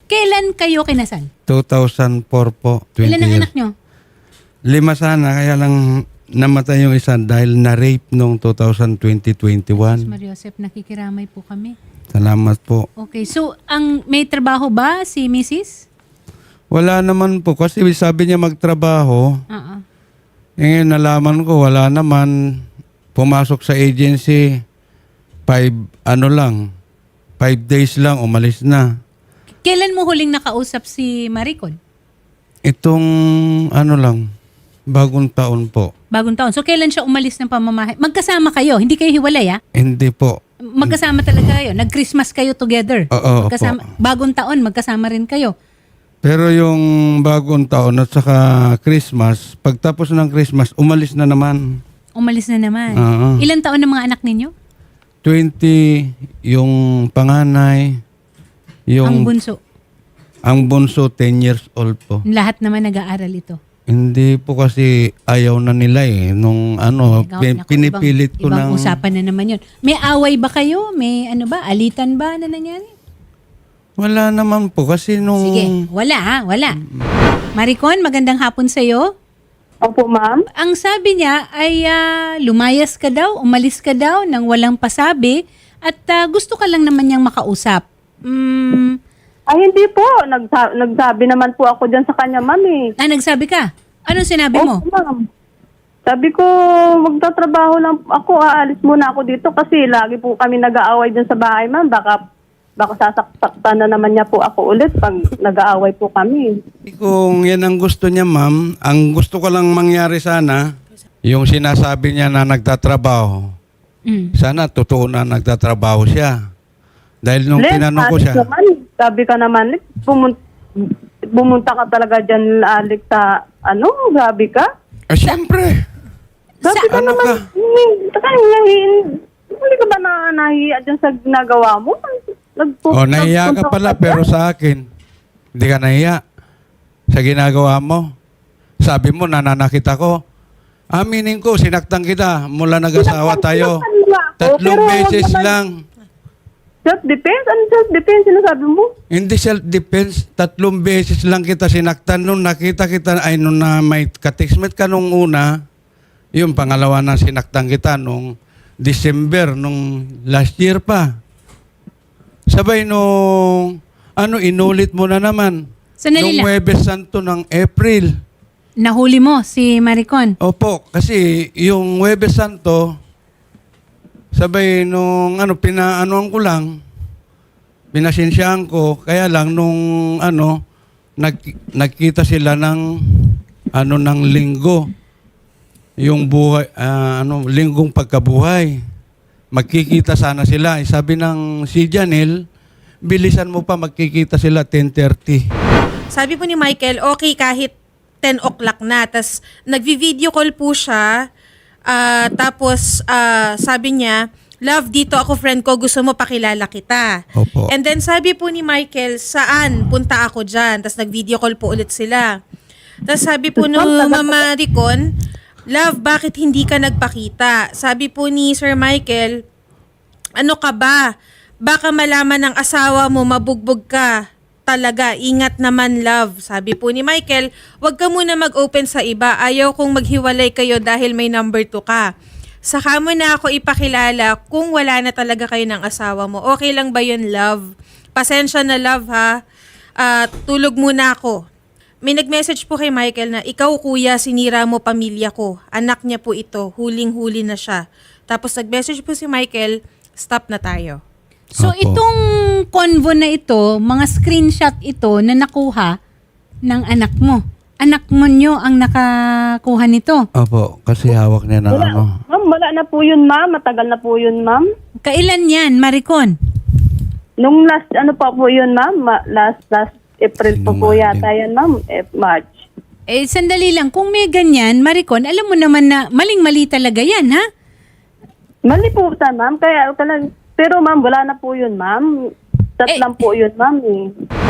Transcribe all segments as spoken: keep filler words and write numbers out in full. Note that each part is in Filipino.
Kailan kayo kinasal? two thousand four po. twenty Ilan ang years. anak nyo? Lima sana, kaya lang namatay yung isa dahil na-rape noong two thousand twenty twenty-one. Maria Joseph, nakikiramay po kami. Salamat po. Okay, so ang may trabaho ba si Missus? Wala naman po kasi sabi niya magtrabaho. Oo. Eh, ngayon nalaman ko wala naman. Pumasok sa agency, five, ano lang, five days lang, umalis na. Kailan mo huling nakausap si Maricon? Itong ano lang, bagong taon po. Bagong taon. So kailan siya umalis ng pamamahay? Magkasama kayo, hindi kayo hiwalay ah? Hindi po. Magkasama talaga kayo. Nag-Christmas kayo together. Oo, Magkasama, opo. bagong taon, magkasama rin kayo. Pero yung bagong taon at saka Christmas, pagtapos ng Christmas, umalis na naman. Umalis na naman. Oo. Ilan taon ng mga anak ninyo? twenty, yung panganay, yung Ang bunso. ang bunso, ten years old po. Lahat naman nag-aaral ito. Hindi po kasi ayaw na nila eh. Nung ano, Ikaw, pin- naku, pinipilit ko ibang, ibang ng... usapan na naman yun. May away ba kayo? May ano ba? Alitan ba na nangyari? Wala naman po kasi nung... Sige, wala ha, wala. Maricon, magandang hapon sa'yo. Opo, ma'am. Ang sabi niya ay ah, lumayas ka daw, umalis ka daw nang walang pasabi at ah, gusto ka lang naman niyang makausap. Mm, Ay, hindi po. Nagsa- nagsabi naman po ako dyan sa kanya, ma'am eh. ah, nagsabi ka? Anong sinabi mo? Opo, ma'am. Sabi ko, magtatrabaho lang ako, aalis muna ako dito kasi lagi po kami nag-aaway dyan sa bahay, ma'am. Baka, baka sasaktan na naman niya po ako ulit pag nag-aaway po kami. Kung yan ang gusto niya, ma'am, ang gusto ko lang mangyari sana, yung sinasabi niya na nagtatrabaho, Mm. sana totoo na nagtatrabaho siya. Dahil nung Len, tinanong ko Alex siya, Naman, sabi ka naman, Alex, pumun- pumunta ka talaga dyan, Alex, sa ano, grabe ka. ah, siyempre, Sabi Sa- ka ano naman, ka? "Hmm, taka, nahihin. Hindi ka ba na nahiya dyan sa ginagawa mo? Nagpu- oh, nahiya ka nagpunta pala, dyan?" pero sa akin, hindi ka nahiya sa ginagawa mo. Sabi mo, nananakit ako. Aminin ko, sinaktan kita mula nag-asawa tayo. Sinaktan niya ako, Tatlong pero beses naman- lang. Self-defense? Ano self-defense? Sinasabi mo? Hindi self-defense. Tatlong beses lang kita sinaktan. Nung nakita kita, ay nung na may katextmate ka nung una, yung pangalawa na sinaktan kita nung December, nung last year pa. Sabay nung, ano, inulit mo na naman. Sandali Nung lang. Huwebes Santo ng April. Nahuli mo si Maricon. Opo, kasi yung Huwebes Santo, sabay nung ano, pinaanoan ko lang, pinasensyahan ko, kaya lang nung ano, nag, nagkita sila ng ano ng linggo, yung buhay, ah, ano, linggong pagkabuhay. Magkikita sana sila. Eh, sabi ng si Janelle, bilisan mo pa, magkikita sila ten thirty. Sabi po ni Michael, okay kahit ten o'clock na. Tapos nagvi-video call po siya. Ah, tapos ah, sabi niya, love, dito ako friend ko, gusto mo pakilala kita. Opo. And then sabi po ni Michael, saan? Punta ako dyan. Tapos nag-video call po ulit sila. Tapos sabi po no Mama Ricon, love, bakit hindi ka nagpakita? Sabi po ni Sir Michael, ano ka ba? Baka malaman ng asawa mo, mabugbog ka. Talaga, ingat naman, love. Sabi po ni Michael, wag ka muna mag-open sa iba. Ayaw kong maghiwalay kayo dahil may number two ka. Saka mo na ako ipakilala kung wala na talaga kayo ng asawa mo. Okay lang ba yun, love? Pasensya na, love, ha? Ah, tulog muna ako. May nag-message po kay Michael na, ikaw, kuya, sinira mo pamilya ko. Anak niya po ito. Huling-huli na siya. Tapos nag-message po si Michael, stop na tayo. So Opo. itong convo na ito, mga screenshot ito na nakuha ng anak mo. Anak mo nyo ang nakakuha nito. Opo, kasi hawak niya ng Wala, ano. ma'am, wala na po yun, ma'am. Matagal na po yun, ma'am. Kailan yan, Maricon? Nung last, ano pa po yun, ma'am? Ma- last, last April po po Sinungaling. yata yan, ma'am. Eh, March. Eh, sandali lang. Kung may ganyan, Maricon, alam mo naman na maling-mali talaga yan, ha? Mali po ta, ma'am. Kaya, kaya pero ma'am, wala na po yun, ma'am. Chat Eh, lang po yun, ma'am. Eh.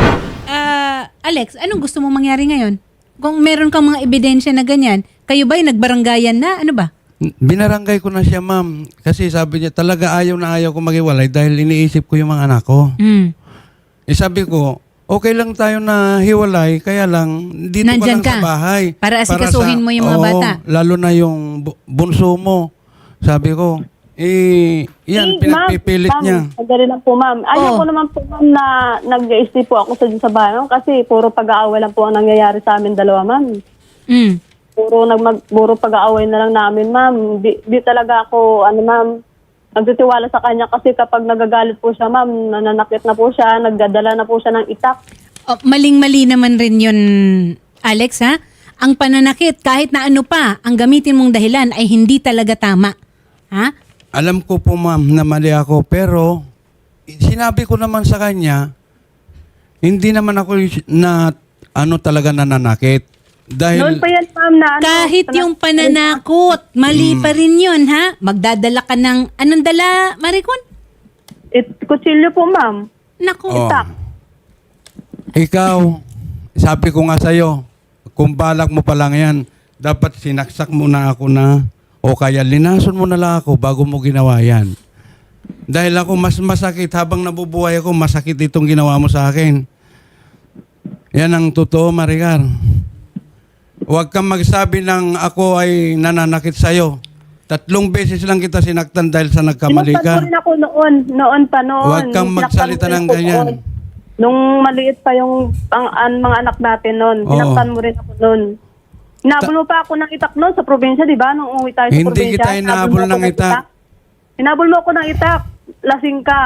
Ah, Alex, anong gusto mo mangyari ngayon? Kung meron kang mga ebidensya na ganyan, kayo ba'y nagbaranggayan na? Ano ba? Binarangay ko na siya, ma'am. Kasi sabi niya, talaga ayaw na ayaw ko maghiwalay dahil iniisip ko yung mga anak ko. Mm. Eh sabi ko, okay lang tayo na hiwalay, kaya lang, dito Nandyan ka lang ka. sa bahay. Para asikasuhin sa- mo yung mga Oo, bata. Lalo na yung bu- bunso mo. Sabi ko, eh, yan, Eh, pinagpipilit ma'am, niya. Ma'am, madali lang po, ma'am. Ayaw Oh. ko naman po, ma'am, na nag-i-stay po ako sa, sa bahay, ma'am, kasi puro pag-aaway lang po ang nangyayari sa amin dalawa, ma'am. Mm. Puro, nagmag, puro pag-aaway na lang namin, ma'am. Di, di talaga ako, ano, ma'am, nagtitiwala sa kanya kasi kapag nagagalit po siya, ma'am, nananakit na po siya, nagdadala na po siya ng itak. Oh, maling-mali naman rin yun, Alex, ha? Ang pananakit, kahit na ano pa, ang gamitin mong dahilan ay hindi talaga tama. Ha? Alam ko po, ma'am, na mali ako, pero sinabi ko naman sa kanya, hindi naman ako y- na ano talaga nananakit. Dahil, Noon pa yan, ma'am, na ano, Kahit sana- yung pananakot, mali pa rin yun, ha? Magdadala ka ng, anong dala, Maricon? It, kutsilyo po, ma'am. Naku. Oh. Itak. ikaw, sabi ko nga sa'yo, kung balak mo pa lang yan, dapat sinaksak mo na ako na, o kaya linason mo na lang ako bago mo ginawa yan. Dahil ako mas masakit, habang nabubuhay ako, masakit itong ginawa mo sa akin. Yan ang totoo, Maricar. Huwag kang magsabi ng ako ay nananakit sa'yo. Tatlong beses lang kita sinaktan dahil sa nagkamali Sinaktan ka. mo rin ako noon. Noon pa noon. Huwag kang Sinaktan magsalita mo rin ng ako ganyan. noon. Nung maliit pa yung ang, ang mga anak natin noon. Oo. Sinaktan mo rin ako noon. Hinabol mo pa ako ng itak noon sa probinsya, di ba? Nung umuwi tayo sa Hindi probinsya. kita hinabol mo ako ng itak. Hinabol mo ako ng itak. Lasing ka.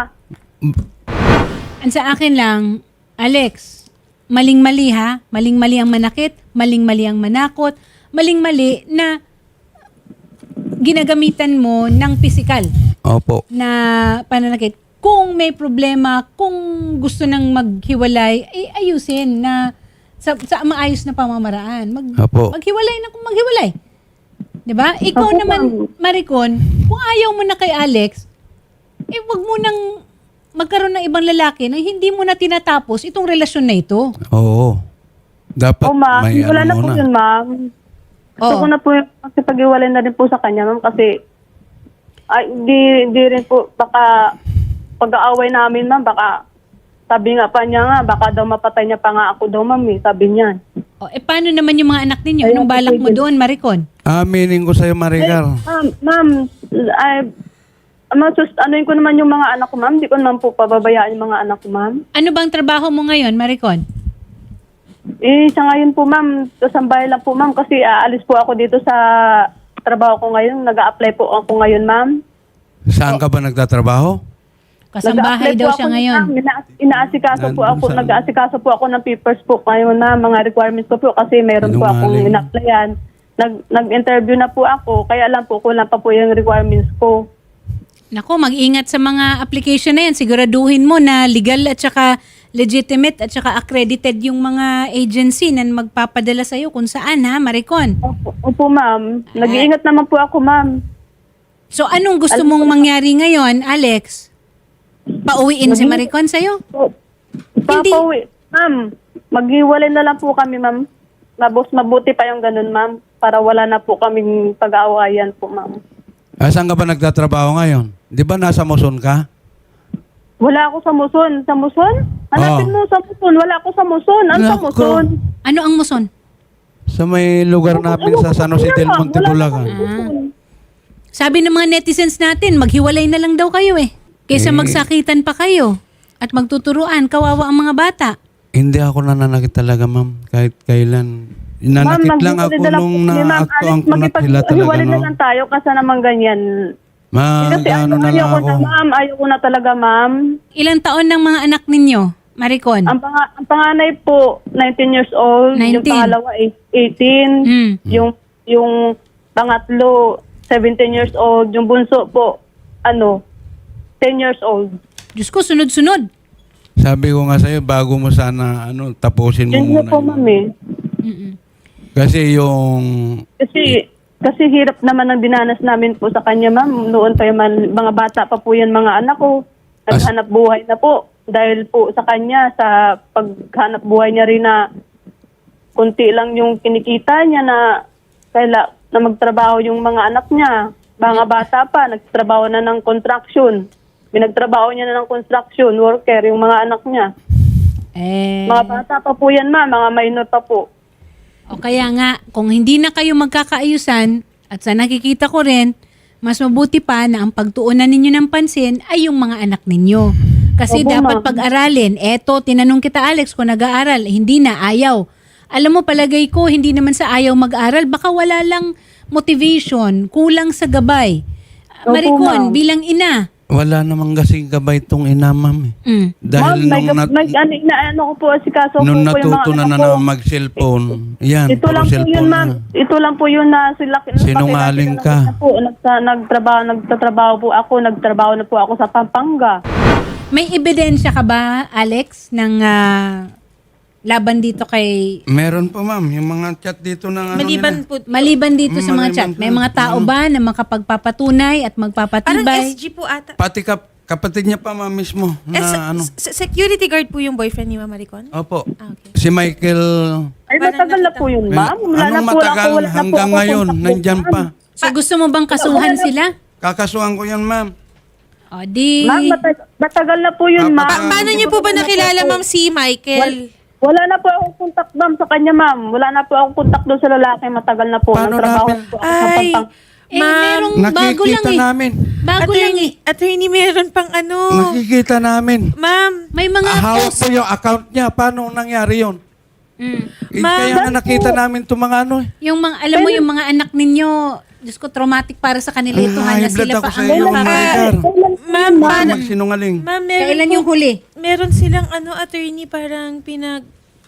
Ang sa akin lang, Alex, maling-mali ha? Maling-mali ang manakit, maling-mali ang manakot, maling-mali na ginagamitan mo ng pisikal Opo. na pananakit. Kung may problema, kung gusto nang maghiwalay, ay ayusin na sa, sa maayos na pamamaraan. Mag, Opo. maghiwalay na kung maghiwalay. 'Di ba? Ikaw Opo, naman, ma'am. Maricon, kung ayaw mo na kay Alex, eh wag mo nang magkaroon ng ibang lalaki na hindi mo na tinatapos itong relasyon na ito. Oo. Dapat O ma'am, may wala ano na po muna. yun, ma'am. Gusto Oo. ko na po yung pag-iwalay na rin po sa kanya, ma'am, kasi ay, di, di rin po, baka pag-aaway namin, ma'am, baka sabi nga pa niya nga, baka daw mapatay niya pa nga ako daw, ma'am, eh, sabi niya. O, eh paano naman yung mga anak ninyo? Anong balak mo doon, Maricon? Aminin ko sa'yo, Maricar. Ma'am, ma'am, ay, masus, anuin ko naman yung mga anak ko, ma'am. Di ko naman po pababayaan yung mga anak ko, ma'am. Ano bang trabaho mo ngayon, Maricon? Eh, sa ngayon po, ma'am, kasambay lang po, ma'am, kasi aalis po ako dito sa trabaho ko ngayon. Nag-a-apply po ako ngayon, ma'am. Saan ka ba nagtatrabaho? Kasambahay Nag-a-apply daw po siya ako, ngayon. ma'am. Ina- inaasikaso po Nandun ako, sa- nag-aasikaso po ako ng papers po ngayon, ma'am, mga requirements ko po kasi mayroon po akong Sinungaling. ina-applyan. Nag, nag-interview na po ako, kaya lang po kulang pa po yung requirements ko. Nako, mag-ingat sa mga application na yan. Siguraduhin mo na legal at saka legitimate at saka accredited yung mga agency na magpapadala sa'yo kung saan, ha, Maricon? Opo, opo ma'am. Nag-iingat naman po ako, ma'am. So, anong gusto mong mangyari ngayon, Alex? Pauwiin si Maricon sa'yo? Po, Papauwi. Ma'am, maghiwalay na lang po kami, ma'am. Mabos, mabuti pa yung ganun, ma'am. Para wala na po kaming pag-aawayan po, ma'am. Ah, saan ka ba nagtatrabaho ngayon? Di ba nasa Muson ka? Wala ako sa Muson. Sa Muson? Hanapin Oh. mo sa Muson. Wala ako sa Muson. Ano sa Nako. Muson? Ano ang muson? Sa may lugar namin sa San Jose del Monte, Bulacan. Sabi ng mga netizens natin, maghiwalay na lang daw kayo eh. Kaysa Eh. magsakitan pa kayo at magtuturuan, kawawa ang mga bata. Hindi ako nananakit talaga, ma'am. Kahit kailan. Nanakit lang ako maghiwalay na nung po kami, ma'am. naaktuang Alis, ko na sila talaga, maghiwalay na no? lang tayo kasi naman ganyan. Ma, Kasi ano na lang ayoko ako. na, ma'am. Ayoko na talaga, ma'am. Ilang taon ng mga anak ninyo, Maricon? Ang, panga, ang panganay po, nineteen years old. Yung nineteen. pangalawa, eight- eighteen. Mm. Yung, yung pangatlo, seventeen years old. Yung bunso po, ano, ten years old. Diyos ko, sunod-sunod. Sabi ko nga sa'yo, bago mo sana ano, tapusin mo Yun muna. na po, yun. ma'am eh. Mm-mm. Kasi yung... Kasi, kasi hirap naman ang dinanas namin po sa kanya, ma'am. Noon pa yung man, mga bata pa po yan, mga anak ko. Naghanap buhay na po. Dahil po sa kanya, sa paghanap buhay niya rin na kunti lang yung kinikita niya na kaila, na magtrabaho yung mga anak niya. Mga bata pa, nagtrabaho na ng construction. Binagtrabaho niya na ng construction worker, yung mga anak niya. Eh, Mga bata pa po yan, ma'am. Mga minor pa po. o kaya nga, kung hindi na kayo magkakaayusan, at sa nakikita ko rin, mas mabuti pa na ang pagtuunan ninyo ng pansin ay yung mga anak ninyo. Kasi Opo, dapat ma'am. pag-aralin. Eto, tinanong kita Alex kung nag-aaral. Hindi na, ayaw. Alam mo, palagay ko, hindi naman sa ayaw mag-aral. Baka wala lang motivation, kulang sa gabay. Opo, Maricon, ma'am. bilang ina. Wala namang kasing gabay tong ina, ma'am. eh. Mm. Dahil ma'am, may, nung, nat- may, ano, na, ano ko po, si kaso nung po po yung mga natuto na anak na ko. naman mag-cellphone, yan, Ito puro lang po yun, cellphone ma'am. na. Ito lang po yun na sila. Sinungaling ka. Na po, nagsa, nagtrabaho, nagtatrabaho po ako. Nagtrabaho na po ako sa Pampanga. May ebidensya ka ba, Alex, ng ah, laban dito kay... Meron po, ma'am, yung mga chat dito ng ano Maliban nila. po, Maliban dito sa mga Maliban chat, po. may mga tao ba na makapagpapatunay at parang magpapatibay? S G po ata. Pati kap- kapatid niya pa, ma'am, mismo. Na Eh, ano. s- s- security guard po yung boyfriend ni Mama Maricon? Opo. Ah, okay. Si Michael, Ay, Parang matagal na nakita po yun, ma'am. Wala na anong po matagal ako, wala na po hanggang ako ngayon, contact nandyan po, pa. ma'am. So gusto mo bang kasuhan sila? Kakasuhan ko yan, ma'am. O di... Ma'am, matag- matagal na po yun, Pa- ma'am. Pa- paano niyo po ba nakilala, ma'am, si Michael? Wala na po akong contact, ma'am, sa kanya, ma'am. Wala na po akong contact doon sa lalaki. Matagal na po. Paano Nagtrabaho namin- po ako sa Ay, Pampanga. Eh, ma'am, merong bago lang Nakikita eh. namin. Bago lang eh. attorney, attorney, meron pang ano. Nakikita namin. Ma'am, May mga Ah, hawak post. po yung account niya. Paano nangyari yun? Mm. Eh, Ma'am, kaya nga nakita namin itong mga ano eh. Yung mga, alam mo yung mga anak ninyo, Diyos ko, traumatic para sa kanila ito Ay, ha, na high blood sila ako pa sa ang iyo, mga- Maricar. ma'am, Huwag parang, magsinungaling. ma'am, meron Kailan po- yung huli? Meron silang ano, attorney, parang pinag...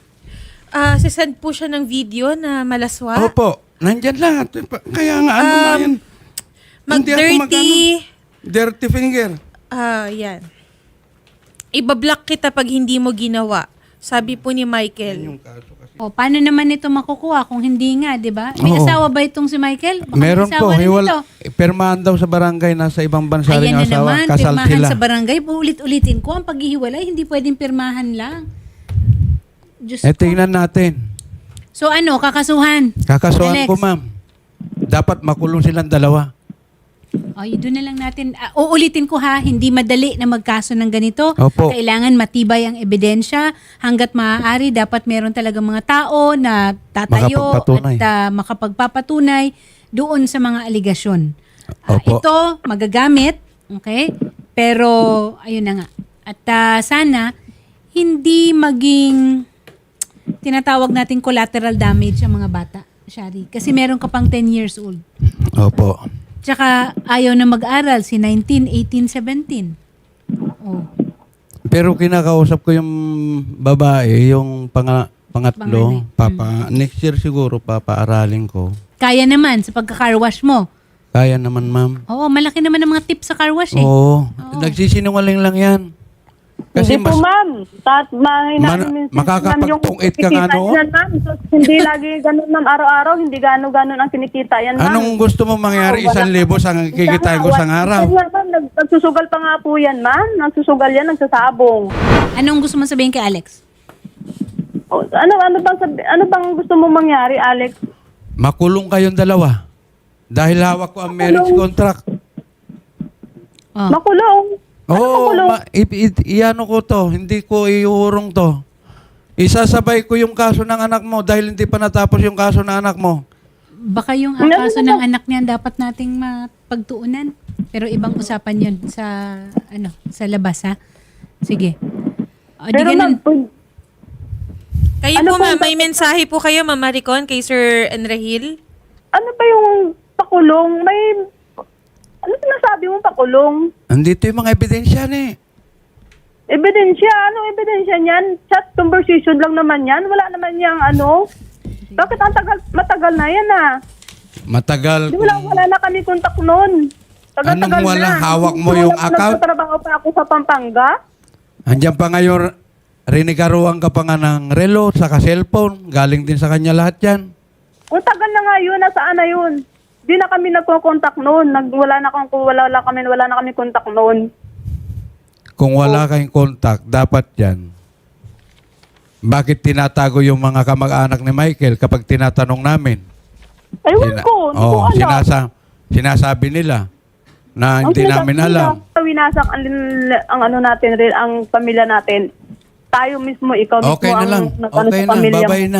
Ah, sisend po siya ng video na malaswa. Opo, nandyan lahat. Kaya nga, ano nga Um, yan? Hindi ako Mag-dirty. mag-ano. Dirty finger. Ah, yan. Ibablock kita pag hindi mo ginawa. Sabi po ni Michael. Yung kaso kasi. O, paano naman ito makukuha kung hindi nga, di ba? May Oo. asawa ba itong si Michael? Baka may Meron asawa po. rin Hiwal, ito. permahan daw sa barangay. Nasa ibang bansa rin Ayan na ang asawa. naman, Kasal pirmahan sila. sa barangay. Ulit-ulitin ko, ang paghihiwalay, hindi pwedeng pirmahan lang. Diyos Eh, ko. tingnan natin. So ano, kakasuhan? Kakasuhan Alex. ko, ma'am. Dapat makulong silang dalawa. Ay, doon na lang natin. Ah, uulitin ko ha, hindi madali na magkaso ng ganito. Opo. Kailangan matibay ang ebidensya. Hanggat maaari, dapat meron talaga mga tao na tatayo Makapagpatunay. at ah, makapagpapatunay doon sa mga aligasyon. Ah, Opo. ito, magagamit. Okay? Pero, ayun na nga. At ah, sana, hindi maging tinatawag nating collateral damage ang mga bata, Shari. Kasi meron ka pang ten years old. Opo. Tsaka ayaw na mag-aral si nineteen, eighteen, seventeen. Oh. Pero kinakausap ko yung babae, yung panga, pangatlo. Panganay. Papa, next year siguro papaaralin ko. Kaya naman sa pagka-carwash mo. Kaya naman, ma'am. Oo, malaki naman ang mga tips sa carwash eh. Oo. Nagsisinungaling lang yan. Kasi Hindi mas... po, ma'am. Tat, mahina Man- namin minsan, makakapagpungit ka nga kinikita noon? yan, ma'am. So, hindi lagi ganun, ma'am. Araw-araw, hindi gano'n-gano'n ang kinikita yan, ma'am. Anong gusto mo mangyari? Oo, wala. Isang libo sa kikitain ko sa araw. Minsan nga, ma'am, nag- nagsusugal pa nga po yan, ma'am. Nagsusugal yan, nagsasabong. Anong gusto mo sabihin kay Alex? O, ano, ano bang, sabi, ano bang gusto mo mangyari, Alex? Makulong kayong dalawa. Dahil hawak ko ang marriage contract. Oh. Makulong. Ano Oo, makulong? ma- i- i- iano ko to. Hindi ko iuurong to. Isasabay ko yung kaso ng anak mo dahil hindi pa natapos yung kaso ng anak mo. Baka yung Ano kaso ba? ng anak niya dapat nating mapagtuunan. Pero ibang usapan yun sa, ano, sa labas ha. Sige. O, di Pero, ganun. ma'am, pag- Kayo Ano po, po ma'am, ba- may mensahe po kayo, Ma'am Maricon, kay Sir Enrahil? ano pa yung pakulong? May, ano sinasabi mo pakulong? Andito yung mga ebidensya ni. Ebidensya? Anong ebidensya niyan? Chat conversation lang naman yan? Wala naman yang ano? Bakit ang tagal, matagal na yan ah? Matagal. Di wala, wala na kami kontak noon. Tagal-tagal Anong wala? na. Hawak mo Wala yung pa, account? Nagtatrabaho pa ako sa Pampanga. Andiyan pa ngayon, rinigaruan ka pa nga ng relo, saka cellphone. Galing din sa kanya lahat yan. Kung tagal na nga yun, nasaan na yun? Di na kami nagko-contact noon. Nag, wala na kami, wala, wala kami, wala na kami contact noon. Kung wala kayong contact, dapat yan. Bakit tinatago yung mga kamag-anak ni Michael kapag tinatanong namin? Ayun Sina- ko, hindi ko Oo, alam. sinasa- sinasabi nila na Ang hindi sinasabi namin nila, alam. Winasak ang, ang ano natin rin, ang pamilya natin. tayo mismo, ikaw Okay mismo na lang. ang nag-ano Okay sa na. pamilya mo. Babay na.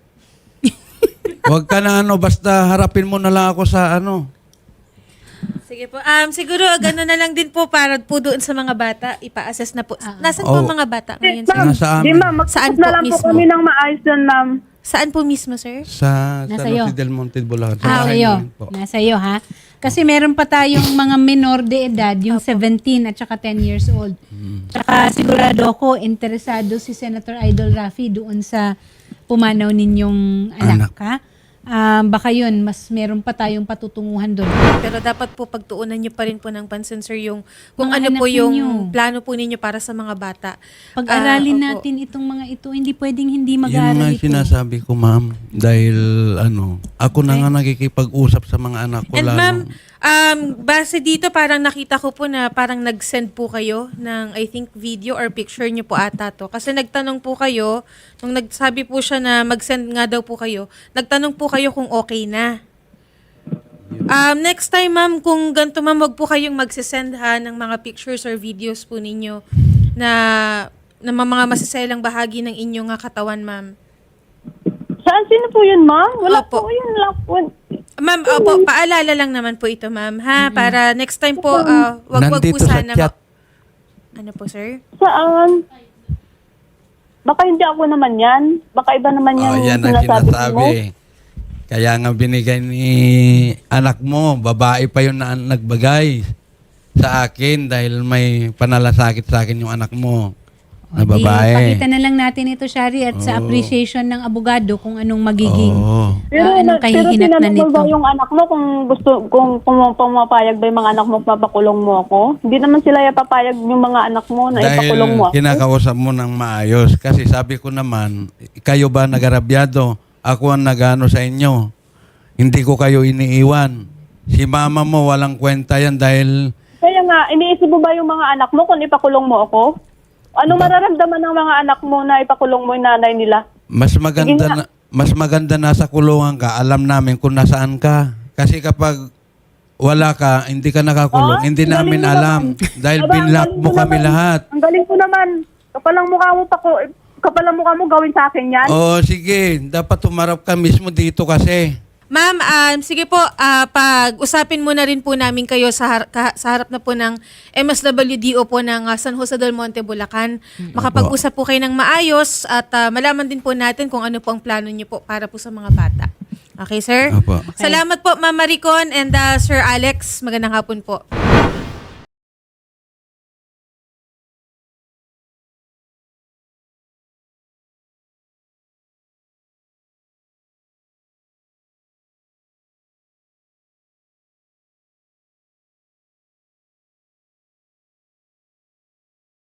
Huwag ka na ano, basta harapin mo na lang ako sa ano. Sige po. Um, siguro, gano'n na lang din po para po doon sa mga bata. Ipa-assess na po. Nasaan po Oh. mga bata ngayon, Ma'am, sir? Nasa amin. di ma'am, Saan mag-usap na po lang po mismo? kami ng maayos dyan, ma'am. Saan po mismo, sir? Sa Nasa San iyo. Jose del Monte, Bulacan. Sa Ah, bahay iyo. namin po. Nasa iyo, ha? Kasi meron pa tayong mga minor de edad, yung seventeen at saka ten years old. Tsaka sigurado ako, interesado si Senator Idol Rafi doon sa pumanaw ninyong anak, Anak. ha? Um, baka yun, mas meron pa tayong patutunguhan doon. Pero dapat po pagtuunan niyo pa rin po ng pansin, sir, yung kung Mga ano anak po yung ninyo. plano po ninyo para sa mga bata. Pag-aralin Ah, opo. natin itong mga ito, hindi pwedeng hindi Yun mag-aaral nga ito. sinasabi ko, ma'am. Dahil ano, ako na nga nakikipag-usap sa mga anak ko. And lalo. ma'am, um, base dito parang nakita ko po na parang nag-send po kayo ng I think video or picture niyo po ata to. Kasi nagtanong po kayo, nung nagsabi po siya na mag-send nga daw po kayo, nagtanong po kayo kung okay na. Um, next time ma'am, kung ganito ma'am, wag po kayong magsisend ha ng mga pictures or videos po ninyo na, na mga masiselang bahagi ng inyong nga katawan ma'am. Saan, sino po yun, ma'am? Wala Opo. po yun lang po. Ma'am, opo, paalala lang naman po ito, ma'am, ha? Para next time po, uh, wag wag po Nandito sa sana. chat. ma- Ano po, sir? Saan? Baka hindi ako naman yan. Baka iba naman yan. Oh, yan ang sinasabi sinasabi. mo. Kaya nga binigay ni anak mo, babae pa yun na nagbagay sa akin dahil may panalasakit sa akin yung anak mo na O, di, babae. pakita na lang natin ito, Shari, at sa Oo. appreciation ng abogado kung anong magiging Oo. Pero, ah, anong pero kahihinatnan tinanong mo nito. ba yung anak mo kung gusto, kung pumapayag ba yung mga anak mo papakulong mo ako? Hindi naman sila papayag yung mga anak mo na ipakulong mo Dahil ako. kinakausap mo ng maayos. Kasi sabi ko naman, kayo ba nagarabyado? Ako ang nagano sa inyo. Hindi ko kayo iniiwan. Si mama mo walang kwenta yan dahil Kaya nga, iniisip mo ba yung mga anak mo kung ipakulong mo ako? Ano mararamdaman ng mga anak mo na ipakulong mo yung nanay nila? mas maganda Sige na, mas maganda na sa kulungan ka, alam namin kung nasaan ka. Kasi kapag wala ka, hindi ka nakakulong, Ah, hindi ang namin galing mo alam. naman. Dahil Aba, ang binlock galing mo kami naman. lahat. Ang galing ko naman. Kapalang mukha mo pa ko, kapalang mukha mo gawin sa akin yan. Oo, sige. Dapat tumarap ka mismo dito kasi. Ma'am, um, sige po, ah, pag-usapin muna rin po namin kayo sa, har- ka- sa harap na po ng M S W D O po ng ah, San Jose del Monte, Bulacan. Makapag-usap po kayo ng maayos at ah, malaman din po natin kung ano po ang plano niyo po para po sa mga bata. Okay, sir? Opo. Salamat po, Ma'am Maricon and ah, Sir Alex. Magandang hapon po.